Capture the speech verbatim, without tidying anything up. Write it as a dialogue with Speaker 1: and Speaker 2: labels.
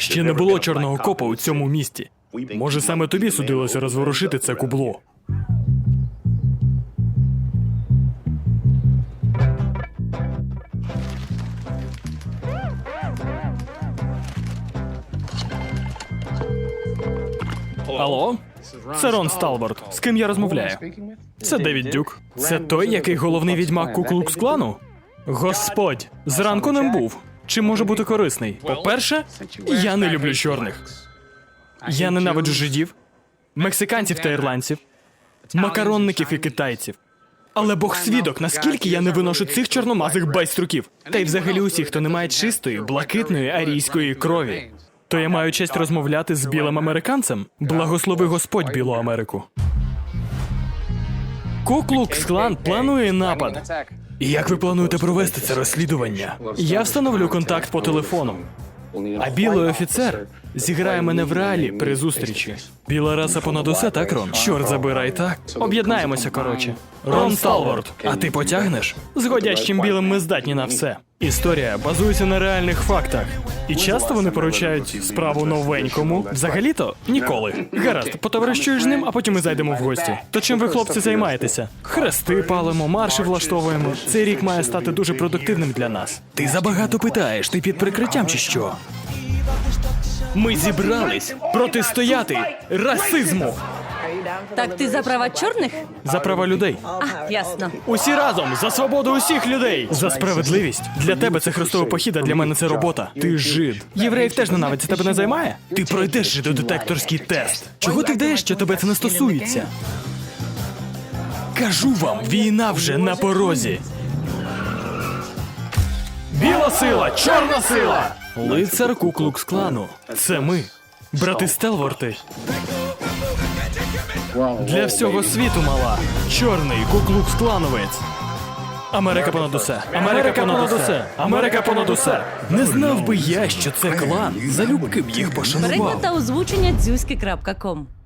Speaker 1: Ще не було чорного копа у цьому місті. Може, саме тобі судилося розворушити це кубло. Алло? Це Рон Сталборд. З ким я розмовляю? Це Девід Дюк. Це той, який головний відьмак Ку-Клукс-Клану? Господь, зранку ним був. Чи може бути корисний? По-перше, я не люблю чорних. Я ненавиджу жидів, мексиканців та ірландців, макаронників і китайців. Але Бог свідок, наскільки я не виношу цих чорномазих байструків. Та й взагалі усіх, хто не має чистої, блакитної арійської крові. То я маю честь розмовляти з білим американцем? Благослови Господь Білу Америку. Ку-Клукс-Клан планує напад. І як ви плануєте провести це розслідування? Я встановлю контакт по телефону. А білий офіцер зіграє мене в реалі при зустрічі. Біла раса понад усе, так, Рон? Чорт забирай, так? Об'єднаємося, коротше. Рон Сталворд, а ти потягнеш? З годящим білим ми здатні на все. Історія базується на реальних фактах. І часто вони поручають справу новенькому. Взагалі-то ніколи. Гаразд, потоваришуєш з ним, а потім ми зайдемо в гості. То чим ви, хлопці, займаєтеся? Хрести палимо, марші влаштовуємо. Цей рік має стати дуже продуктивним для нас. Ти забагато питаєш, ти під прикриттям чи що? Ми зібрались протистояти расизму.
Speaker 2: Так ти за права чорних?
Speaker 1: За права людей.
Speaker 2: А, ясно.
Speaker 1: Усі разом за свободу усіх людей. За справедливість. Для тебе це хрестовий похід, а для мене це робота. Ти жид. Євреїв теж ненавидять, тебе не займає? Ти пройдеш жидодетекторський тест. Чого ти вдаєш, що тебе це не стосується? Кажу вам, війна вже на порозі. Біла сила, чорна сила! Лицар Ку-Клукс-Клану. Це ми. Брати Стелворти. Для всього світу, мала. Чорний Ку-Клукс-Клановець. Америка понад усе. Америка понад усе. Америка понад усе. Не знав би я, що це клан. Залюбки б їх пошанував.
Speaker 2: Переклад та озвучення дзюськи крапка ком.